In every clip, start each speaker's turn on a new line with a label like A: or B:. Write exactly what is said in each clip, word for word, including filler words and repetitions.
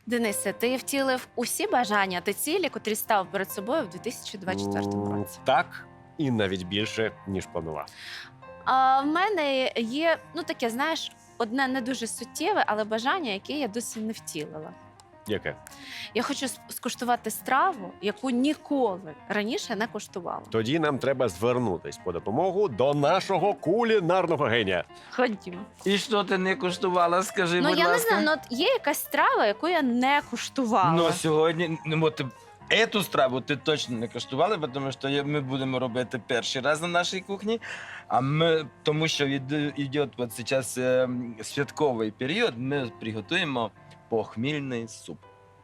A: Денисе, ти втілив усі бажання та цілі, котрі став перед собою в дві тисячі двадцять четвертому
B: М,
A: році.
B: Так, і навіть більше, ніж планував.
A: А в мене є, ну таке, знаєш, одне не дуже суттєве, але бажання, яке я досі не втілила.
B: Яке?
A: Я хочу с- скуштувати страву, яку ніколи раніше не куштувала.
B: Тоді нам треба звернутись по допомогу до нашого кулінарного генія.
A: Ходімо.
C: І що ти не куштувала, скажи,
A: Ну
C: будь
A: я не
C: ласка.
A: знаю, ну от є якась страва, яку я не куштувала.
C: Ну, сьогодні, ну, от, ету страву ти точно не куштувала, тому що я- ми будемо робити перший раз на нашій кухні. А ми, тому що йде, йде от зараз е, святковий період, ми приготуємо похмільний суп.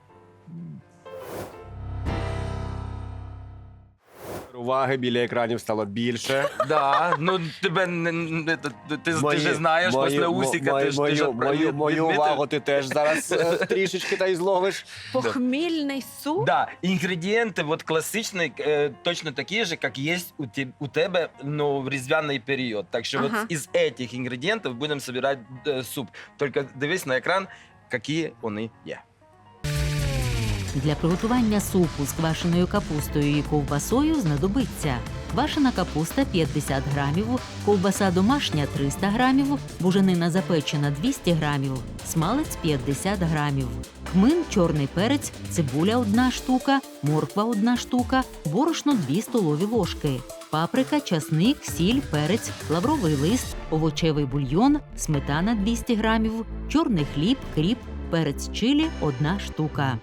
B: Уваги біля екранів стало більше.
C: Да, ну тебе не, не- ти, ти, ти
B: Мої-
C: же знаєш,
B: мої-
C: після
B: мо-
C: усіка
B: мою,
C: ти ж ти ж
B: мою,
C: відпра-
B: мою, мою
C: відмітив.
B: увагу ти теж зараз е, трішечки та й зловиш.
A: Похмільний суп.
C: Да, ингредиенты вот классичные, э, точно такие же, как есть у, те- у тебя, но в різдвяний период. Так что
A: Ага.
C: вот из этих ингредиентов будем собирать э, суп. Только дивись на екран, які вони є.
D: Для приготування супу з квашеною капустою і ковбасою знадобиться квашена капуста п'ятдесят грамів, ковбаса домашня триста грамів, буженина запечена двісті грамів, смалець п'ятдесят грамів, кмин, чорний перець, цибуля одна штука, морква одна штука, борошно дві столові ложки, паприка, часник, сіль, перець, лавровий лист, овочевий бульйон, сметана двісті грамів, чорний хліб, кріп, перець чилі одна штука.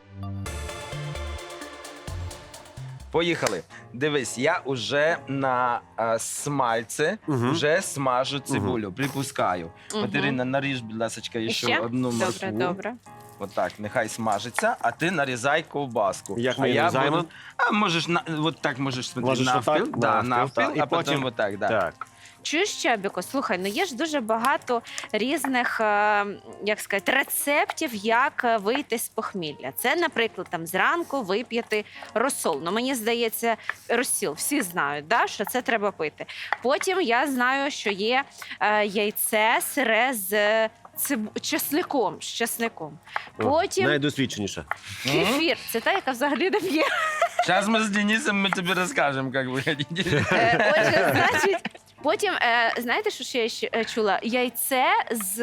C: Поїхали. Дивись, я уже на е, смальце
B: Мгм.
C: вже смажу цибулю, припускаю.
A: Мгм.
C: Катерина, наріж, будь ласка, ще,
A: Ще?
C: одну моркву.
A: Добре, добре.
C: Отак, нехай смажиться, а ти нарізай ковбаску.
B: Як
C: а
B: ми її
C: я
B: нарізаємо?
C: буду... А можеш, на... от так можеш смотри,
B: Можеш
C: навпіл,
B: отак?
C: да,
B: Навпіл,
C: навпіл,
B: так. І
C: а потім
B: потім-
C: отак, да.
B: Так.
A: Чуєш, Чабіко, слухай, ну є ж дуже багато різних, е, як сказати, рецептів, як е, вийти з похмілля. Це, наприклад, там зранку вип'яти розсол. Ну, мені здається, розсіл, всі знають, да, що це треба пити. Потім я знаю, що є е, яйце сире з е, циб... чесником, з чесником.
B: О,
A: Потім
B: Найдосвідченіша.
A: кефір, це та, яка взагалі не п'є.
C: Сейчас мы с Денисом мы тебе расскажем, как вы хотите.
A: Е, Отже, значить, потім, е, знаєте, що ще я ще е, чула? Яйце з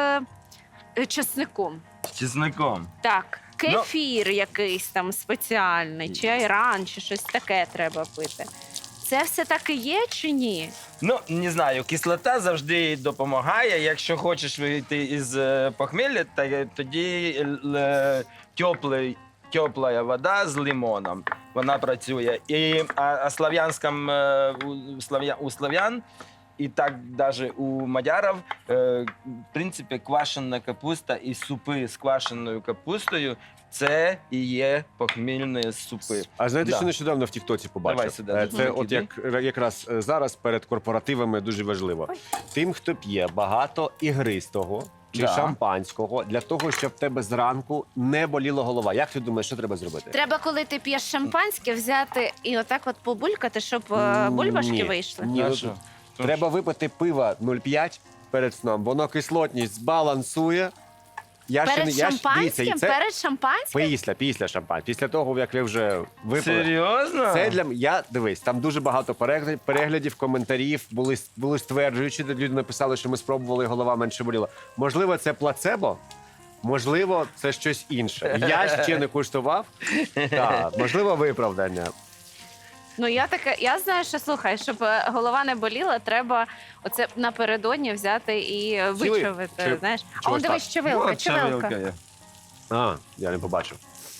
A: е, чесником.
C: С чесноком.
A: Так,
C: Ну.
A: кефір якийсь там спеціальний, чи айран, чи щось таке треба пити. Це все таки є чи ні?
C: Ну, не знаю, кислота завжди допомагає. Якщо хочеш вийти із е, похмілля, та- тоді е, теплий, тепла вода з лимоном, вона працює. І а, а слав'янськам, е, у, слав'я, у слав'ян, і так навіть у мадярів, е, в принципі, квашена капуста і супи з квашеною капустою – це і є похмільні супи.
B: А знаєте,
C: Да.
B: що нещодавно в Тіктоці побачив?
C: Давай сюди,
B: Е,
C: дуже
B: Це
C: великий,
B: от як якраз е, зараз перед корпоративами дуже важливо.
A: Ой.
B: Тим, хто п'є багато ігристого чи
C: Да.
B: шампанського, для того, щоб в тебе зранку не боліла голова. Як ти думаєш, що треба зробити?
A: Треба, коли ти п'єш шампанське, взяти і отак от побулькати, щоб е, бульбашки
B: Ні.
A: вийшли.
B: Ні,
C: А
B: ну,
C: що?
B: Треба випити пива нуль п'ять перед сном. Воно кислотність збалансує. Я
A: Перед
B: не- я ж-
A: шампанським?
B: дивіться, і це
A: Перед шампанським?
B: після, після шампань. Після того, як ви вже випили.
C: Серйозно?
B: Це для м- я дивись, там дуже багато переглядів, переглядів, коментарів були були стверджуючі, де люди написали, що ми спробували, і голова менше боліла. Можливо, це плацебо, можливо, це щось інше. Я ще не куштував. Так, можливо, виправдання.
A: Ну я таке, я знаю, що слухай, щоб е, голова не боліла, треба оце напередодні взяти і е,
B: Чи ви-
A: вичавити.
B: чи-
A: Знаєш, а
B: чогось
A: он дивись,
B: так.
A: чавилка,
C: От
A: чавилка.
C: є.
B: А, я не побачив.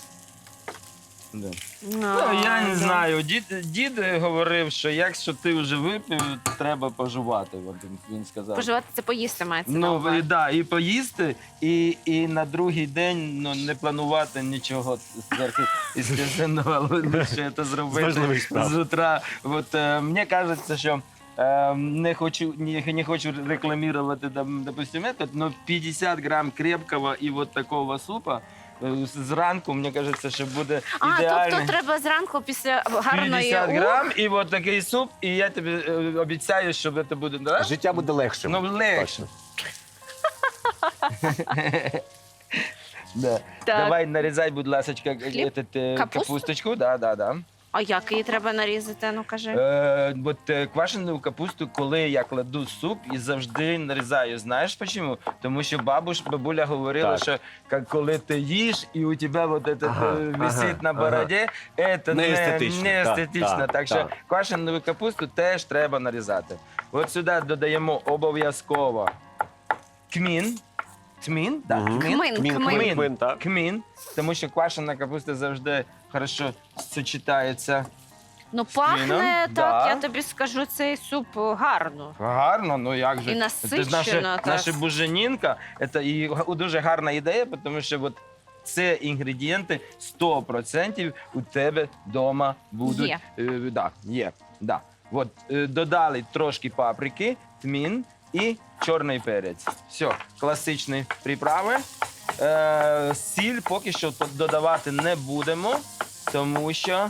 C: Да.
A: Ну,
C: Ну, я не
A: да.
C: знаю. Дід, дід говорив, що якщо ти вже випив, треба пожувати. От він, він сказав.
A: Поживати це поїсти мається. на
C: Ну,
A: увазі.
C: і, да, і поїсти, і, і на другий день ну, не планувати нічого зверху із казенного, але лише це
B: З
C: зробити
B: важливих справ.
C: з утра. От, е, мені кажеться, що е, не хочу, не, не хочу рекламувати, дом- допустим, этот, но п'ятдесят грам крепкого і вот такого супа е, зранку, мені кажеться, що буде
A: А,
C: ідеально.
A: тобто треба зранку після гарної
C: п'ятдесят
A: ух,
C: грам і от такий суп, і я тобі е, обіцяю, що це буде, да?
B: Життя буде легшим.
C: Ну, легше.
B: Точно.
C: Да.
A: Так.
C: Давай нарізай, будь ласка,
A: Хліб?
C: этот, е,
A: Капусту?
C: капусточку. Да, да, да.
A: А як її треба нарізати? Ну кажи.
C: Е, от е, квашену капусту, коли я кладу в суп і завжди нарізаю. Знаєш чому? Тому що бабуш, бабуля говорила,
B: Так.
C: що як коли ти їш і у тебе вот это
B: Ага,
C: е, висить
B: ага,
C: на бороді, це
B: Не
C: не,
B: естетично,
C: не
B: так,
C: естетично.
B: так,
C: Так що
B: так.
C: квашену капусту теж треба нарізати. От сюди додаємо обов'язково кмін. Тмін? Да,
B: Мгм.
C: кмін.
A: Кмин,
B: Кмін,
A: кмин.
B: кмин, кмин, так.
C: Кмін, тому що квашена капуста завжди хорошо сочетається.
A: Ну
C: Кміном,
A: пахне так,
C: да.
A: я тобі скажу, цей суп гарно.
C: Гарно, ну як же.
A: І
C: Це
A: насичено,
C: ж наша,
A: так.
C: наша буженінка, це і га- дуже гарна ідея, тому що от це інгредієнти сто відсотків у тебе вдома будуть.
A: Є.
C: Е, да, є. Да. От, е, додали трошки паприки, тмін і чорний перець. Все, класичні приправи. Е, сіль поки що додавати не будемо, тому що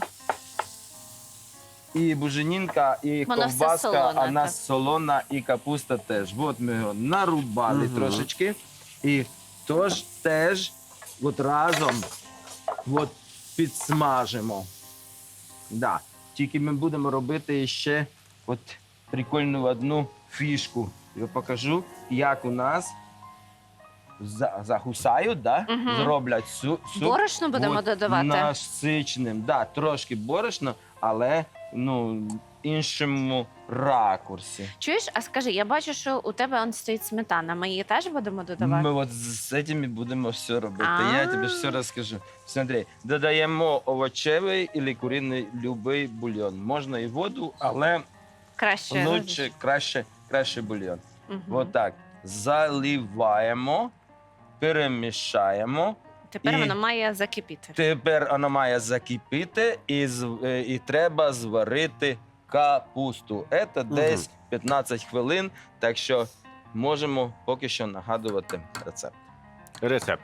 C: і буженінка, і
A: Воно все
C: ковбаска,
A: солоне,
C: а нас
A: так.
C: солона, і капуста теж. От ми його нарубали
B: Мгм.
C: трошечки. І тож теж от разом от підсмажимо. Да. Тільки ми будемо робити ще от прикольну одну фішку. Я покажу, як у нас за- загусають, да?
A: Мгм.
C: зроблять су- суп.
A: Борошно будемо
C: От
A: додавати.
C: Насиченим. Да, трошки борошно, але ну, іншому ракурсі.
A: Чуєш, а скажи, я бачу, що у тебе он стоїть сметана. Ми її теж будемо додавати?
C: Ми от з цими будемо все робити.
A: А.
C: Я тобі все розкажу. Смотри, додаємо овочевий або куриний любий бульйон. Можна і воду, але
A: Краще.
C: лучше, краще, краще бульйон.
A: Мгм.
C: От так. Заливаємо, перемішаємо.
A: Тепер
C: і-
A: воно має закипіти.
C: Тепер воно має закипіти і, з- е, і треба зварити капусту. Це десь п'ятнадцять хвилин, так що можемо поки що нагадувати рецепт.
B: Рецепт.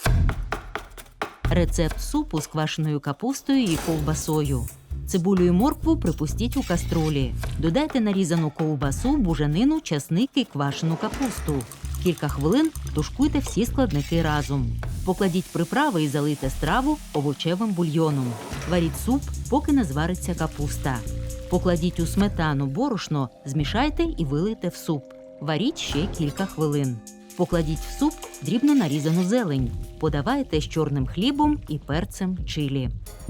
D: Рецепт супу з квашеною капустою і ковбасою. Цибулю і моркву припустіть у каструлі. Додайте нарізану ковбасу, буженину, часник і квашену капусту. Кілька хвилин тушкуйте всі складники разом. Покладіть приправи і залийте страву овочевим бульйоном. Варіть суп, поки не звариться капуста. Покладіть у сметану борошно, змішайте і вилийте в суп. Варіть ще кілька хвилин. Покладіть в суп дрібно нарізану зелень. Подавайте з чорним хлібом і перцем чилі.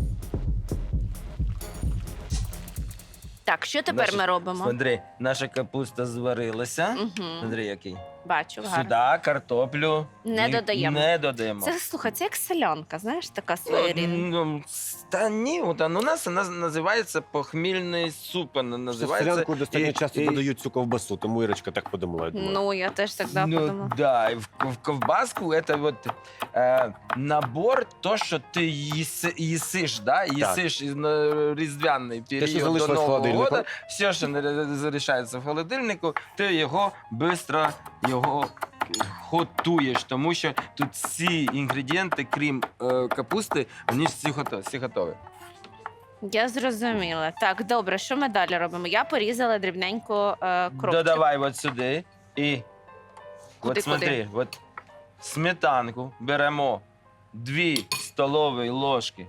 A: Так, що тепер
C: Наша-
A: ми робимо?
C: Смотри, наша капуста зварилася.
A: Угу.
C: Смотри, який.
A: Бачу, гарно.
C: Сюди картоплю
A: Не
C: ні-
A: додаємо.
C: Не додаємо.
A: Це, слухай, це як селянка, знаєш, така
C: Ну,
A: своєрідна.
C: ну, Та ні, от, ну, у нас вона називається похмільний суп. Вона
B: В
C: називається.
B: селянку достатньо
C: і-
B: часто
C: і-
B: додають цю ковбасу, тому Ірочка так подумала. я думаю.
A: Ну, я теж так да,
C: ну,
A: подумала.
C: да, и в, в ковбаску это вот э, набор, то, що ти їси, їсиш, да? їсиш із- на різдвяний
B: що
C: період до
B: залишилось в
C: Нового
B: холодильнику.
C: року, все, що не залишається в холодильнику, ти його швидко його готуєш, тому що тут всі інгредієнти, крім е, капусти, вони всі готові. Всі готові.
A: Я зрозуміла. Так, добре, що ми далі робимо? Я порізала дрібненько е, кропчик.
C: Додавай от сюди і
A: Куди,
C: от смотри, от сметанку беремо дві столові ложки.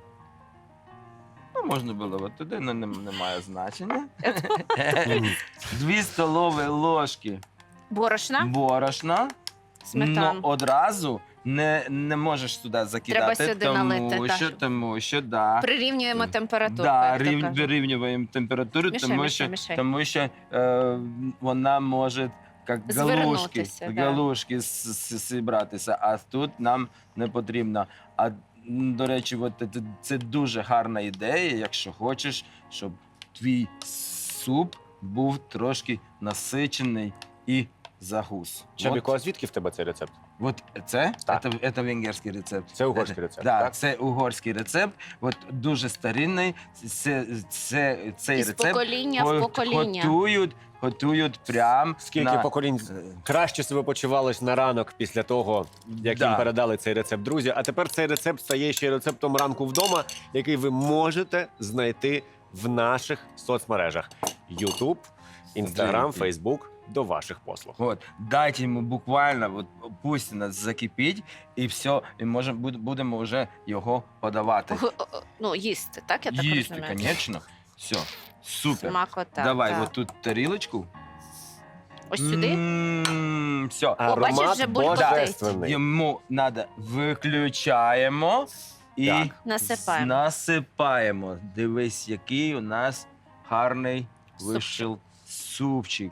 C: Ну, можна було от туди, але не, не має значення.
B: Мгм.
C: Дві столові ложки
A: Борошна,
C: борошна.
A: сметану.
C: Ну, одразу не, не можеш сюди закидати,
A: Треба сюди
C: тому,
A: налити, так.
C: що, тому що да.
A: Прирівнюємо температуру.
C: Да,
A: як то
C: рів,
A: кажуть.
C: вирівнюємо температуру,
A: Мішай,
C: тому,
A: мішай,
C: що,
A: мішай.
C: тому що е, вона може як галушки,
A: Звернутися, да.
C: галушки с- с- зібратися, а тут нам не потрібно. А м, до речі, от це, це дуже гарна ідея, якщо хочеш, щоб твій суп був трошки насичений і загус.
B: Чабіко, а
C: От,
B: звідки в тебе цей рецепт?
C: от це,
B: Так.
C: це, це венгерський рецепт.
B: Це угорський рецепт,
C: Да,
B: так?
C: це угорський рецепт. От дуже старинний. Це, це, цей
A: Із
C: рецепт
A: покоління в
C: го-
A: покоління.
C: готують, готують прям
B: Скільки
C: на...
B: поколінь краще себе почувалось на ранок після того, як
C: Да.
B: їм передали цей рецепт. Друзі, а тепер цей рецепт стає ще й рецептом ранку вдома, який ви можете знайти в наших соцмережах: YouTube, Instagram,
C: Дякую.
B: Facebook до ваших послуг.
C: От, дайте йому буквально, от, пусть у нас закипить, і все, і можемо, буд- будемо вже його подавати.
A: Г- о- о, Ну, їсти, так? Я так
C: Їсти,
A: розумію?
C: звісно. Все, супер.
A: Смакота.
C: Давай,
A: так.
C: от тут тарілочку.
A: Ось сюди?
C: М, Все.
A: О, бачиш,
B: Аромат
A: вже булькотить.
B: божественний.
C: Йому треба виключаємо і
B: Так.
A: Насипаємо.
C: насипаємо. Дивись, який у нас гарний
A: Супчик.
C: вийшов супчик.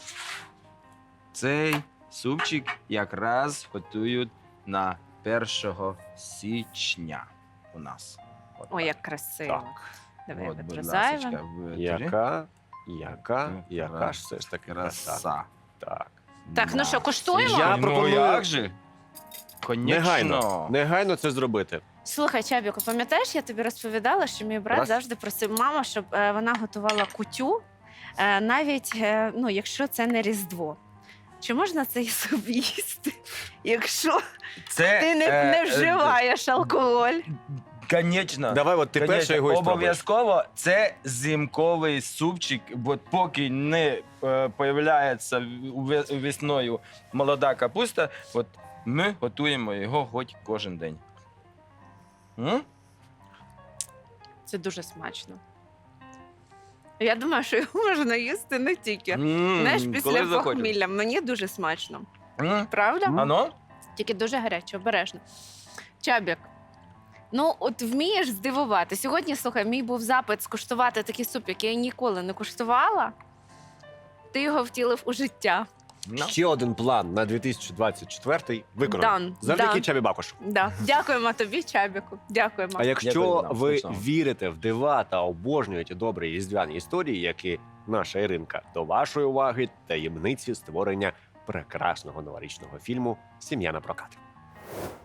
C: Цей супчик якраз готують на першого січня у нас. От
A: Ой,
C: так.
A: як красиво.
B: Так.
A: Давай
C: От, будь
A: відрізаємо.
C: ласочка, витри.
B: Яка, яка,
C: Ну,
B: яка
C: краса.
B: ж все ж таки краса.
C: Краса.
B: Так.
A: Так, ну
C: Да.
A: що, куштуємо?
B: Я
C: ну,
B: пропоную-
C: як же? Конечно.
B: Негайно, негайно це зробити.
A: Слухай, Чабіку, пам'ятаєш, я тобі розповідала, що мій брат
B: Раз.
A: завжди просив маму, щоб е, вона готувала кутю, е, навіть е, ну, якщо це не Різдво. Чи можна цей суп їсти, якщо
C: Це,
A: ти не,
C: е,
A: не
C: е,
A: вживаєш алкоголь?
C: Конечно.
B: Давай, от ти
C: Конечно,
B: перше його і спробуєш.
C: обов'язково це зимковий супчик, бо поки не е, появляється ве- весною молода капуста, от ми готуємо його хоч кожен день. М?
A: Це дуже смачно. Я думаю, що його можна їсти не тільки.
C: М,
A: Знаєш,
C: коли
A: після
C: захочеш.
A: похмілля мені дуже смачно.
C: М?
A: Правда?
C: Ано?
A: Тільки дуже гаряче, обережно. Чабік, ну от вмієш здивувати. Сьогодні, слухай, мій був запит скуштувати такий суп, який я ніколи не куштувала. Ти його втілив у життя.
C: Ну.
B: Ще один план на дві тисячі двадцять четвертий виконаний.
A: Дан,
B: Завдяки
A: дан.
B: Чабі Бакушу.
A: Да. Дякуємо тобі, Чабіку. Дякуємо.
B: А якщо
C: Дякую вам,
B: ви
C: смачного.
B: вірите в дива та обожнюєте добрі різдвяні історії, як і наша Іринка, до вашої уваги таємниці створення прекрасного новорічного фільму «Сім'я на прокат».